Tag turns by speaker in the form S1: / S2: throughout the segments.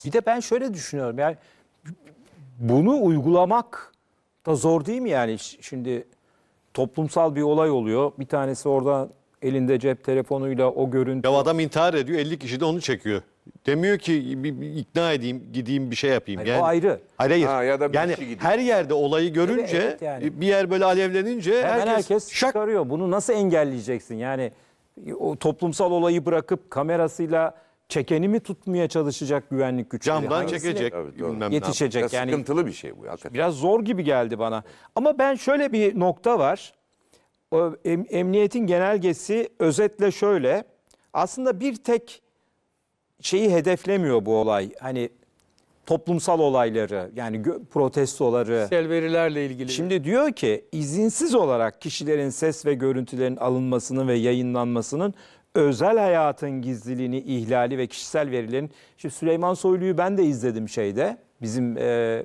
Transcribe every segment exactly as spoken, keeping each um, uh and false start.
S1: Bir de ben şöyle düşünüyorum. Yani bunu uygulamak da zor değil mi yani? Şimdi toplumsal bir olay oluyor. Bir tanesi orada elinde cep telefonuyla o görüntü.
S2: Ya adam intihar ediyor, elli kişi de onu çekiyor. Demiyor ki bir, bir ikna edeyim, gideyim bir şey yapayım.
S1: Hayır,
S2: yani,
S1: o ayrı.
S2: Hayır hayır.
S3: Ha, ya da bir
S2: yani
S3: kişi gidiyor.
S2: her yerde olayı görünce
S1: Evet, evet yani.
S2: bir yer böyle alevlenince
S1: Hemen
S2: herkes,
S1: herkes
S2: şak.
S1: çıkarıyor. Bunu nasıl engelleyeceksin? Yani o toplumsal olayı bırakıp kamerasıyla çekeni mi tutmaya çalışacak güvenlik güçleri?
S2: Camdan
S1: Hangisine
S2: çekecek.
S3: Evet, doğru.
S2: bilmem ne
S1: yetişecek?
S3: Ya
S1: Yani
S3: sıkıntılı bir şey bu. Hakikaten.
S1: biraz zor gibi geldi bana. Ama ben şöyle bir nokta var. O em- emniyetin genelgesi özetle şöyle. Aslında bir tek şeyi hedeflemiyor bu olay. Hani toplumsal olayları, yani gö- protestoları.
S4: Kişisel verilerle ilgili.
S1: Şimdi diyor ki izinsiz olarak kişilerin ses ve görüntülerin alınmasının ve yayınlanmasının özel hayatın gizliliğini ihlali ve kişisel verilerin. Şimdi Süleyman Soylu'yu ben de izledim şeyde, bizim e,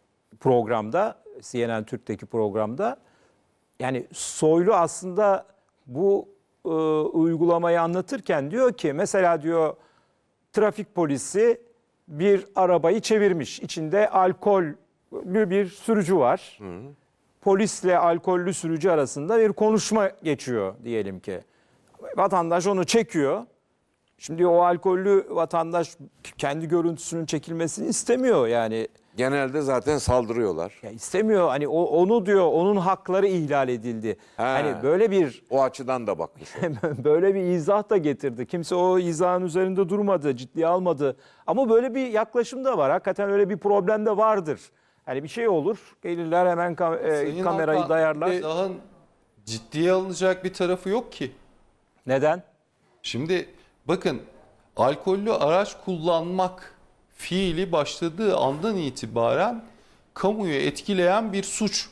S1: programda, C N N Türk'teki programda. Yani Soylu aslında bu e, uygulamayı anlatırken diyor ki mesela diyor trafik polisi bir arabayı çevirmiş. İçinde alkollü bir sürücü var. Hı. Polisle alkollü sürücü arasında bir konuşma geçiyor diyelim ki. Vatandaş onu çekiyor. Şimdi o alkollü vatandaş kendi görüntüsünün çekilmesini istemiyor yani.
S3: Genelde zaten saldırıyorlar.
S1: Ya istemiyor hani o, onu diyor onun hakları ihlal edildi.
S3: He.
S1: Hani böyle bir
S3: O açıdan da bakmış.
S1: böyle bir izah da getirdi. Kimse o izahın üzerinde durmadı, ciddiye almadı. Ama böyle bir yaklaşım da var. Hakikaten öyle bir problem de vardır. Hani bir şey olur, gelirler hemen kam- e,
S5: Sayın
S1: kamerayı
S5: Alkan,
S1: dayarlar.
S5: Daha ciddiye alınacak bir tarafı yok ki.
S1: Neden?
S5: Şimdi bakın, alkollü araç kullanmak fiili başladığı andan itibaren kamuyu etkileyen bir suç.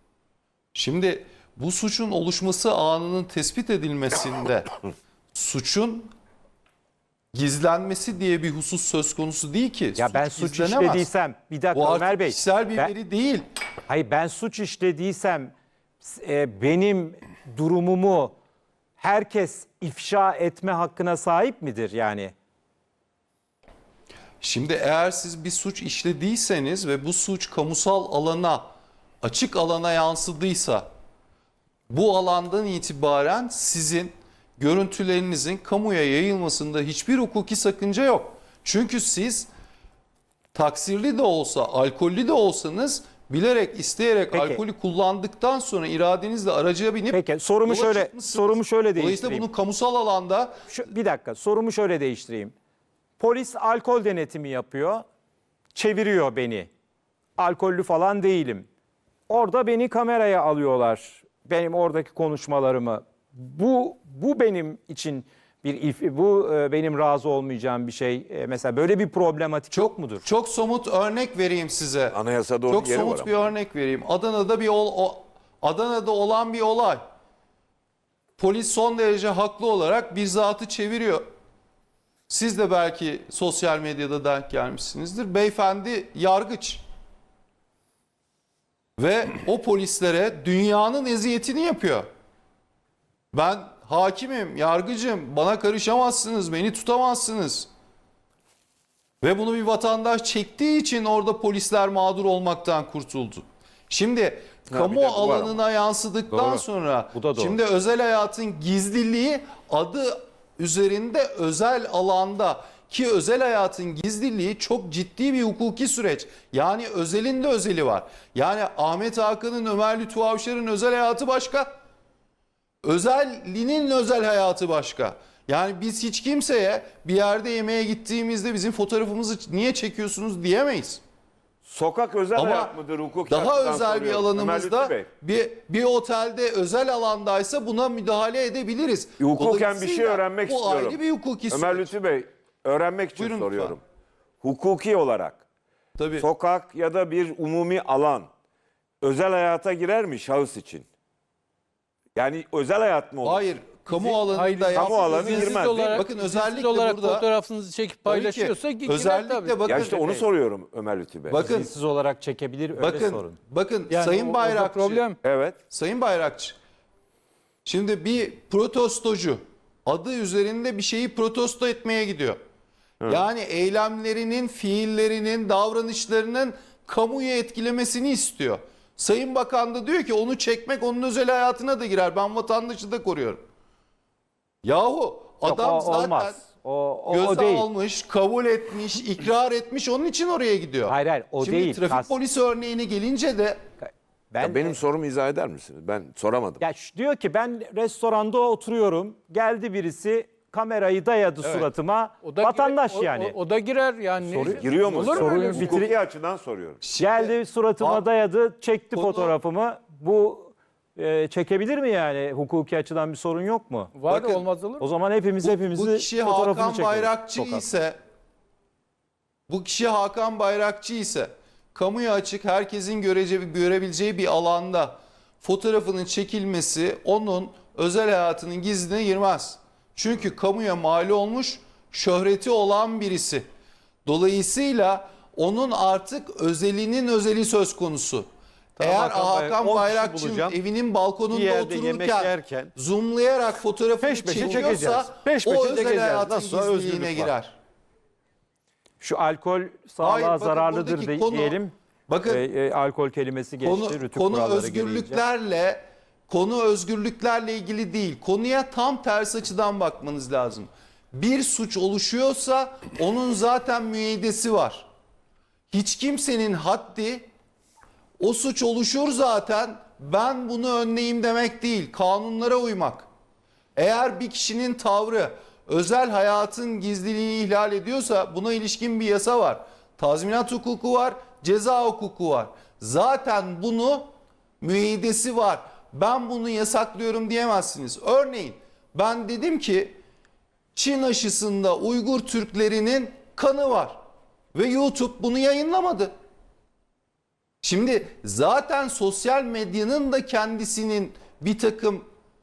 S5: Şimdi bu suçun oluşması anının tespit edilmesinde suçun gizlenmesi diye bir husus söz konusu değil ki.
S1: Ya ben suç
S5: gizlenemez.
S1: işlediysem, bir dakika
S5: Bu
S1: Ömer
S5: artık
S1: Bey.
S5: kişisel bir
S1: ben-
S5: veri değil.
S1: Hayır ben suç işlediysem e, benim durumumu herkes ifşa etme hakkına sahip midir yani?
S5: Şimdi eğer siz bir suç işlediyseniz ve bu suç kamusal alana, açık alana yansıdıysa, bu alandan itibaren sizin görüntülerinizin kamuya yayılmasında hiçbir hukuki sakınca yok. Çünkü siz taksirli de olsa, alkollü de olsanız bilerek, isteyerek
S1: Peki.
S5: alkolü kullandıktan sonra iradenizle araca binip
S1: Peki sorumu
S5: yola
S1: şöyle
S5: çıkmışsınız.
S1: sorumu şöyle
S5: Dolayısıyla
S1: değiştireyim.
S5: bunu kamusal alanda
S1: Şu, bir dakika sorumu şöyle değiştireyim. Polis alkol denetimi yapıyor. Çeviriyor beni. Alkollü falan değilim. Orada beni kameraya alıyorlar. Benim oradaki konuşmalarımı. Bu bu benim için bir if- bu e, benim razı olmayacağım bir şey. E, mesela böyle bir problematik yok mudur?
S5: çok somut örnek vereyim size.
S3: Anayasada onun
S5: Çok
S3: yeri var
S5: somut
S3: ama.
S5: bir örnek vereyim. Adana'da bir ol, o, Adana'da olan bir olay. Polis son derece haklı olarak bir zatı çeviriyor. Siz de belki sosyal medyada denk gelmişsinizdir. Beyefendi yargıç. Ve o polislere dünyanın eziyetini yapıyor. Ben hakimim, yargıcım, bana karışamazsınız, beni tutamazsınız. Ve bunu bir vatandaş çektiği için orada polisler mağdur olmaktan kurtuldu. Şimdi
S3: bir
S5: kamu
S3: de bu var
S5: alanına yansıdıktan
S1: Doğru.
S5: sonra
S1: Bu da doğru.
S5: şimdi özel hayatın gizliliği adı üzerinde özel alanda, ki özel hayatın gizliliği çok ciddi bir hukuki süreç. Yani özelin de özeli var. Yani Ahmet Hakan'ın, Ömer Lütfü Avşar'ın özel hayatı başka. Özellinin özel hayatı başka. Yani biz hiç kimseye bir yerde yemeğe gittiğimizde bizim fotoğrafımızı niye çekiyorsunuz diyemeyiz.
S3: Sokak özel
S5: Ama
S3: hayat mıdır hukuki
S5: daha
S3: açıdan
S5: özel bir
S3: soruyorum. Ömer
S5: alanımızda
S3: Lütfü Bey.
S5: bir, bir otelde özel alandaysa buna müdahale edebiliriz.
S3: Hukuken bir şey
S5: Dolayısıyla
S3: öğrenmek
S5: bu
S3: istiyorum.
S5: ayrı bir hukuki
S3: Ömer
S5: süreç.
S3: Lütfü Bey, öğrenmek için
S5: Buyurun
S3: soruyorum. Hukuki olarak
S5: Tabii.
S3: sokak ya da bir umumi alan özel hayata girer mi şahıs için? Yani özel hayat mı olur?
S5: Hayır, kamu alanında
S4: Hayır,
S5: yaptığınız
S3: kamu alanı
S5: izinsiz
S3: girmez, değil mi?
S4: olarak,
S5: Bakın
S4: izinsiz
S5: özellikle
S4: olarak
S5: burada
S4: fotoğrafınızı çekip
S5: Tabii ki,
S4: paylaşıyorsa girer
S5: özellikle
S4: tabii.
S5: bakın-
S3: Ya işte onu soruyorum Ömer Lütfü Bey.
S5: bakın
S1: İzinsiz olarak çekebilir öyle
S5: bakın
S1: sorun.
S5: bakın
S4: Yani
S5: Sayın
S4: o- orada
S5: Bayrakçı.
S4: problem.
S3: Evet.
S5: Sayın Bayrakçı, şimdi bir protestocu adı üzerinde bir şeyi protesto etmeye gidiyor. Yani eylemlerinin, fiillerinin, davranışlarının kamuyu etkilemesini istiyor. Sayın Bakan da diyor ki onu çekmek onun özel hayatına da girer. Ben vatandaşı da koruyorum. Yahu
S1: Yok,
S5: adam
S1: o
S5: zaten
S1: olmaz. O, o, o
S5: göze
S1: değil.
S5: almış, kabul etmiş, ikrar etmiş, onun için oraya gidiyor.
S1: Hayır, hayır, o
S5: Şimdi
S1: değil.
S5: trafik
S1: As-
S5: polisi örneğine gelince de
S1: Ben
S3: Ya benim sorumu izah eder misiniz? Ben soramadım.
S1: Ya ş- diyor ki ben restoranda oturuyorum. Geldi birisi kamerayı dayadı suratıma.
S4: O da
S1: Vatandaş
S4: girer- o-
S1: yani.
S4: O, o da girer yani.
S1: Soru-
S3: Giriyor mu?
S4: Olur mu
S1: Soruyu
S4: öyle bir-
S1: bitir-
S3: Hukuki açıdan soruyorum.
S1: Geldi suratıma
S5: Abi,
S1: dayadı, çekti
S5: konu-
S1: fotoğrafımı. Bu e, çekebilir mi yani? Hukuki açıdan bir sorun yok mu?
S4: Var
S5: Bakın,
S4: olmaz olur.
S1: O zaman hepimiz hepimizi
S5: bu kişi
S1: fotoğrafını
S5: Hakan
S1: çekelim.
S5: Bayrakçı
S1: Sokak.
S5: ise bu kişi Hakan Bayrakçı ise kamuya açık herkesin görece, görebileceği bir alanda fotoğrafının çekilmesi onun özel hayatının gizliliğine girmez. Çünkü kamuya mal olmuş, şöhreti olan birisi. Dolayısıyla onun artık özelinin özeli söz konusu.
S2: Tamam,
S5: Eğer
S2: Hakan Bayrak- on
S5: Hakan
S2: kişi
S5: Bayrakçı'nın
S2: bulacağım.
S5: evinin
S2: Bir
S5: balkonunda
S2: yerde yemek
S5: otururken
S2: yerken
S5: zoomlayarak fotoğrafını
S2: peş peşe
S5: çekiyorsa
S2: çekeceğiz. Peş
S5: o
S2: peşe
S5: özel
S2: çekeceğiz.
S5: hayatın
S2: Nasılsa
S5: gizliliğine
S2: özgürlük var.
S5: girer.
S1: Şu alkol sağlığa
S5: Hayır, bakın
S1: zararlıdır
S5: buradaki
S1: de-
S5: konu-
S1: diyelim.
S5: bakın,
S1: E, e, alkol kelimesi geçti.
S5: Konu,
S1: Rütük
S5: konu
S1: kuralları gereğince.
S5: özgürlüklerle konu özgürlüklerle ilgili değil. Konuya tam tersi açıdan bakmanız lazım. Bir suç oluşuyorsa onun zaten müeyyidesi var. Hiç kimsenin haddi o suç oluşur zaten ben bunu önleyeyim demek değil. Kanunlara uymak. Eğer bir kişinin tavrı özel hayatın gizliliğini ihlal ediyorsa buna ilişkin bir yasa var. Tazminat hukuku var, ceza hukuku var. Zaten bunu müeyyidesi var. Ben bunu yasaklıyorum diyemezsiniz. Örneğin ben dedim ki Çin aşısında Uygur Türklerinin kanı var ve YouTube bunu yayınlamadı. Şimdi zaten sosyal medyanın da kendisinin bir takım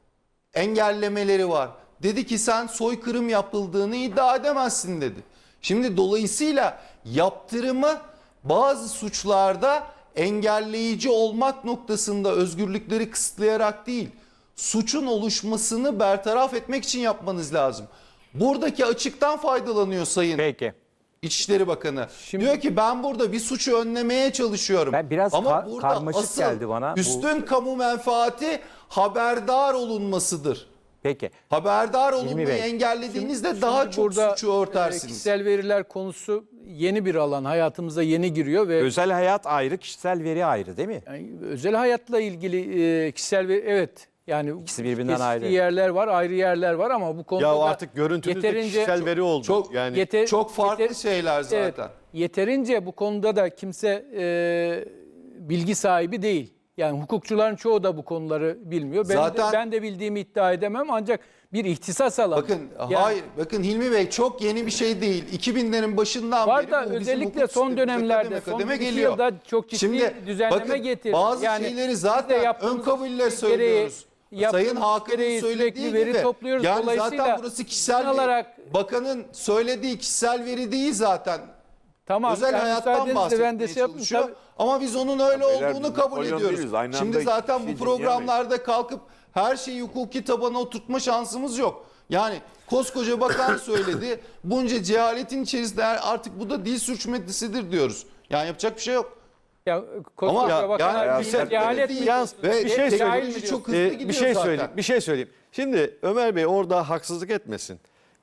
S5: engellemeleri var. Dedi ki sen soykırım yapıldığını iddia edemezsin dedi. Şimdi dolayısıyla yaptırımı bazı suçlarda engelleyici olmak noktasında özgürlükleri kısıtlayarak değil, suçun oluşmasını bertaraf etmek için yapmanız lazım. Buradaki açıktan faydalanıyor Sayın
S1: Peki.
S5: İçişleri Bakanı.
S4: Şimdi-
S5: Diyor ki ben burada bir suçu önlemeye çalışıyorum.
S1: Ben biraz
S5: Ama
S1: kar-
S5: burada
S1: karmaşık
S5: asıl
S1: geldi bana bu-
S5: üstün kamu menfaati haberdar olunmasıdır.
S1: Peki.
S5: Haberdar
S1: Hilmi
S5: olunmayı
S1: Bey.
S5: engellediğinizde daha çok
S4: Burada
S5: suçu
S4: e,
S5: örtersiniz.
S4: kişisel veriler konusu yeni bir alan. Hayatımıza yeni giriyor ve
S1: Özel hayat ayrı, kişisel veri ayrı değil mi?
S4: yani özel hayatla ilgili e, kişisel veri evet yani
S1: İkisi birbirinden
S4: kesiştiği
S1: ayrı.
S4: yerler var, ayrı yerler var ama bu konuda
S2: Ya
S4: da
S2: artık görüntünüzde
S4: yeterince-
S2: kişisel veri oldu.
S5: Çok
S2: yani
S4: yeter-
S5: Çok farklı
S4: yeter-
S5: şeyler zaten.
S4: Evet, yeterince bu konuda da kimse e, bilgi sahibi değil. Yani hukukçuların çoğu da bu konuları bilmiyor. Ben,
S5: Zaten-
S4: de, ben de bildiğimi iddia edemem ancak bir ihtisas alanı.
S5: Bakın
S4: Yani
S5: hayır bakın Hilmi Bey çok yeni bir şey değil. iki binlerin başından
S4: var
S5: beri
S4: da
S5: bu bizim
S4: özellikle
S5: hukuk
S4: son
S5: sistemimize
S4: dönemlerde
S5: kademe
S4: son
S5: kademe
S4: iki
S5: geliyor.
S4: yılda çok ciddi
S5: Şimdi
S4: düzenleme
S5: bakın,
S4: getirdi.
S5: bazı
S4: Yani
S5: şeyleri
S4: biz de
S5: zaten ön
S4: yaptığımız
S5: kabulle
S4: gereği-
S5: söylüyoruz.
S4: yaptığımız
S5: Sayın Hakan'ın
S4: gereği
S5: söylediği
S4: sürekli veri
S5: gibi.
S4: topluyoruz.
S5: Yani
S4: Dolayısıyla
S5: zaten burası kişisel
S4: olarak-
S5: veri. Bakanın söylediği kişisel veri değil zaten.
S4: Tamam,
S5: Özel
S4: yani
S5: hayattan
S4: müsaadenizle
S5: bahsetmeye
S4: ben de şey yapayım.
S5: çalışıyor.
S4: Tabii-
S5: Ama biz onun öyle
S3: Beyler,
S5: olduğunu
S3: biz
S5: kabul
S3: Napolyon
S5: ediyoruz.
S3: değiliz. Aynı
S5: Şimdi
S3: anda
S5: zaten
S3: şey
S5: bu
S3: dinleyemeyiz.
S5: programlarda kalkıp her şeyi hukuki tabana oturtma şansımız yok. Yani koskoca bakan söyledi. Bunca cehaletin içerisinde artık bu da dil sürçmesidir diyoruz. Yani yapacak bir şey yok.
S4: Ya, koskoca
S5: Ama
S4: bakan
S5: yani
S4: bir
S5: bir şey-
S4: cehalet mi?
S2: Yalnız
S5: Ve
S2: bir şey
S5: teknoloji
S2: söyleyeyim.
S5: çok hızlı
S2: Ee,
S5: gidiyor
S2: bir şey
S5: zaten.
S2: söyleyeyim. Bir şey söyleyeyim. Şimdi Ömer Bey orada haksızlık etmesin.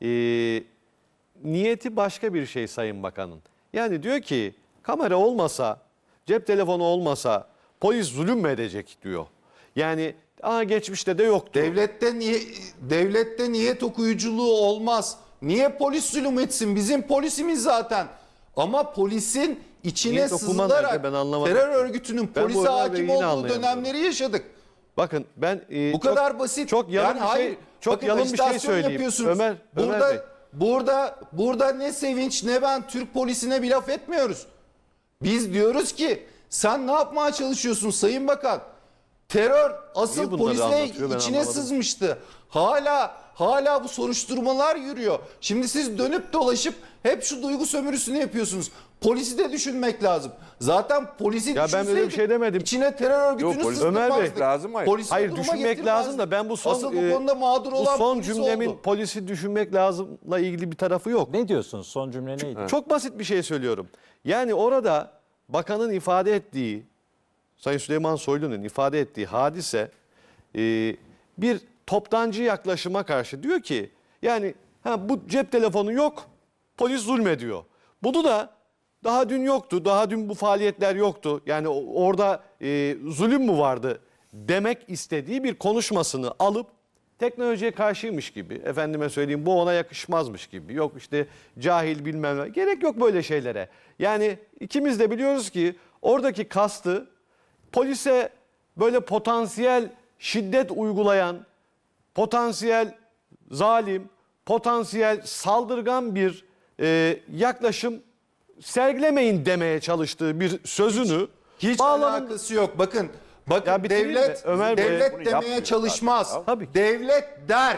S2: Ee, niyeti başka bir şey Sayın Bakan'ın. Yani diyor ki kamera olmasa, cep telefonu olmasa polis zulüm mü edecek diyor. Yani aa geçmişte de yoktu.
S5: Devlette niye devlette niyet okuyuculuğu olmaz. Niye polis zulüm etsin? Bizim polisimiz zaten. Ama polisin içine
S2: Niyet okuma
S5: sızılarak
S2: nerede? Ben anlamadım.
S5: terör örgütünün
S2: Ben bu
S5: polise
S2: Ömer Bey'i
S5: hakim
S2: yine
S5: olduğu
S2: anlayamadım.
S5: dönemleri yaşadık.
S2: Bakın ben e,
S5: Bu
S2: çok-
S5: kadar basit.
S2: Çok yalın
S5: Yani
S2: bir şey,
S5: hayır,
S2: çok
S5: bakın
S2: yalın bir şey
S5: ajitasyon
S2: söyleyeyim.
S5: yapıyorsunuz.
S2: Ömer, Ömer
S5: burada
S2: Bey.
S5: burada burada ne Sevinç ne ben Türk polisine bir laf etmiyoruz. Biz diyoruz ki sen ne yapmaya çalışıyorsun Sayın Bakan? Terör asıl
S2: Niye bunları
S5: polisle
S2: anlatıyor ben
S5: içine
S2: anlamadım.
S5: sızmıştı. Hala hala bu soruşturmalar yürüyor. Şimdi siz dönüp dolaşıp hep şu duygu sömürüsünü yapıyorsunuz. Polisi de düşünmek lazım. Zaten polisi
S2: Ya ben öyle bir
S5: düşünseydik
S2: şey demedim.
S5: İçine terör örgütünü
S3: Yok, polis-
S5: sızdırmazdık.
S2: Ömer Bey,
S3: lazım, hayır.
S5: Polisi
S2: Hayır,
S5: bu duruma
S2: düşünmek
S5: getirmezdik.
S2: lazım da ben bu son
S5: Asıl bu
S2: e,
S5: konuda mağdur
S2: bu
S5: olan
S2: son
S5: polis
S2: cümlemin
S5: oldu.
S2: polisi düşünmek lazımla ilgili bir tarafı yok.
S1: Ne diyorsunuz? Son cümle neydi?
S2: Çok basit bir şey söylüyorum. Yani orada bakanın ifade ettiği, Sayın Süleyman Soylu'nun ifade ettiği hadise e, bir toptancı yaklaşıma karşı diyor ki yani ha, bu cep telefonu yok, polis zulmediyor. Bunu da daha dün yoktu, daha dün bu faaliyetler yoktu. Yani o- orada e, zulüm mü vardı demek istediği bir konuşmasını alıp teknolojiye karşıymış gibi, efendime söyleyeyim bu ona yakışmazmış gibi, yok işte cahil bilmem ne, gerek yok böyle şeylere. Yani ikimiz de biliyoruz ki oradaki kastı polise böyle potansiyel şiddet uygulayan, potansiyel zalim, potansiyel saldırgan bir e, yaklaşım sergilemeyin demeye çalıştığı bir sözünü
S5: Hiç
S2: bağlamın-
S5: alakası yok. Bakın, bakın
S2: Ya bitireyim
S5: devlet
S2: mi? Ömer Bey,
S5: devlet
S3: bunu
S5: demeye
S3: yapmıyor
S5: çalışmaz.
S3: zaten.
S2: Tabii ki.
S5: Devlet der.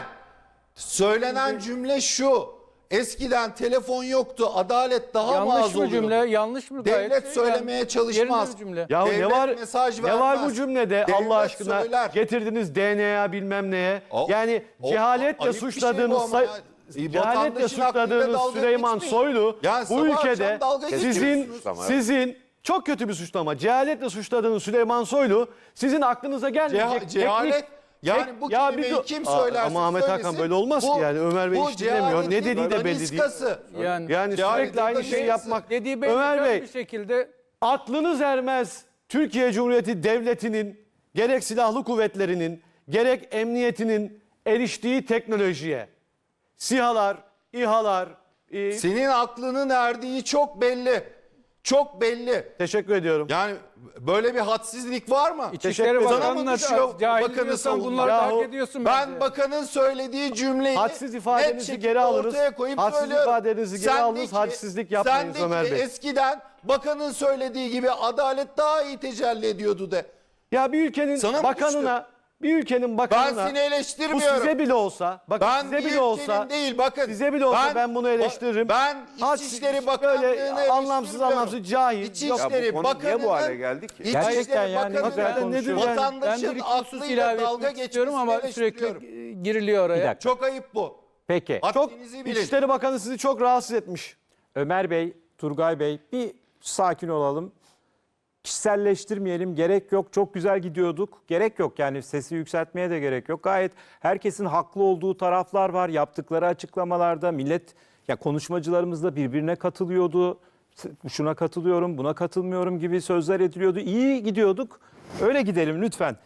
S5: Söylenen cümle şu. Eskiden telefon yoktu. Adalet daha mı
S4: Yanlış
S5: az
S4: mı
S5: oluyordu?
S4: cümle? Yanlış mı? Gayet
S5: Devlet
S4: şey
S5: söylemeye
S4: yani.
S5: çalışmaz.
S4: Yerinde bir cümle.
S2: Ya ne
S5: Devlet
S2: var
S5: mesaj
S2: ne var
S5: vermez.
S2: bu cümlede
S5: Devlet
S2: Allah aşkına
S5: söyler.
S2: getirdiniz D N A bilmem neye.
S5: O-
S2: yani
S5: o-
S2: cehaletle
S5: ayıp bir şey bu
S2: suçladığınız
S5: ama
S2: say-
S5: ya. E,
S2: cehaletle
S5: vatandaşın aklıyla
S2: suçladığınız
S5: dalga
S2: Süleyman
S5: geçmeyin.
S2: Soylu
S5: Yani
S2: bu
S5: sabah
S2: ülkede
S5: akşam dalga
S2: sizin
S5: geçiyorsunuz
S3: ama.
S2: sizin çok kötü bir suçlama. Cehaletle suçladığınız Süleyman Soylu sizin aklınıza gelmeyecek
S5: Ceha- cehalet
S2: teknik-
S5: yani
S2: tek-
S5: bu
S2: ya bir
S5: kelimeyi
S2: dur-
S5: kim
S2: Aa,
S5: söylerse
S2: ama Ahmet Hakan
S5: söylesin,
S2: böyle olmaz
S5: bu-
S2: ki yani Ömer Bey
S5: bu
S2: hiç dinlemiyor. Ne
S5: cehaletin
S2: dediği de belli değil.
S5: daniskası.
S4: Yani,
S2: Yani
S5: Cehaletin
S2: sürekli aynı şeyi
S5: daniskası.
S2: yapmak.
S4: dediği belli
S2: Ömer Bey
S4: bir şekilde
S2: aklınız ermez Türkiye Cumhuriyeti Devleti'nin gerek silahlı kuvvetlerinin gerek emniyetinin eriştiği teknolojiye. SİHA'lar, İHA'lar. e,
S5: Senin aklının erdiği çok belli. Çok belli.
S2: teşekkür ediyorum.
S5: Yani böyle bir hadsizlik var mı?
S2: Teşekkür
S4: İçişleri
S2: ederim.
S5: Sana mı
S4: Bakanı'na
S5: düşüyor
S4: cahil
S5: bakanı
S4: diyorsan
S5: savunmak?
S4: bunları da
S2: Yahu,
S4: hak ediyorsun
S5: Ben
S4: bence.
S5: bakanın söylediği cümleyi
S2: Hadsiz
S5: net
S2: ifadenizi
S5: şekilde
S2: geri alınız.
S5: ortaya koyup
S2: Hadsiz
S5: söylüyorum.
S2: ifadenizi geri
S5: Sendeki-
S2: alınız. Hadsizlik yapmayınız
S5: sendeki
S2: Ömer Bey.
S5: eskiden bakanın söylediği gibi adalet daha iyi tecelli ediyordu de.
S2: Ya bir ülkenin
S5: Sana mı
S2: bakanına, bir ülkenin
S5: Ben
S2: bakanına
S5: seni
S2: bu
S5: eleştirmiyorum.
S2: size bile olsa, bakın
S5: Ben
S2: size
S5: bir
S2: bile olsa,
S5: ülkenin değil bakın.
S2: size bile olsa ben bunu eleştiririm.
S5: Ben
S2: Hadsiz-
S5: İçişleri Bakanlığı'nı
S2: böyle anlamsız
S5: eleştirmiyorum.
S2: anlamsız cahil. Yok.
S5: İçişleri
S3: Ya bu konu
S5: Bakanı'nın
S3: niye bu hale geldi ki?
S5: İçişleri
S1: Gerçekten yani
S5: Bakanı'nın
S2: hakikaten nedir yani?
S4: Ben
S5: vatandaşın
S4: bir iki husus
S5: aklıyla
S4: ilave
S5: dalga
S4: etmek istiyorum
S5: geçmesini
S4: ama sürekli
S5: eleştiriyorum.
S4: e, giriliyor oraya.
S1: Bir dakika.
S5: Çok ayıp bu.
S1: Peki.
S2: Çok
S5: Haddinizi bilin.
S2: İçişleri Bakanı sizi çok rahatsız etmiş.
S1: Ömer Bey, Turgay Bey bir sakin olalım. Kişiselleştirmeyelim. Gerek yok. Çok güzel gidiyorduk. Gerek yok. Yani sesi yükseltmeye de gerek yok. Gayet herkesin haklı olduğu taraflar var. Yaptıkları açıklamalarda millet ya konuşmacılarımız da birbirine katılıyordu. Şuna katılıyorum, buna katılmıyorum gibi sözler ediliyordu. İyi gidiyorduk. Öyle gidelim lütfen.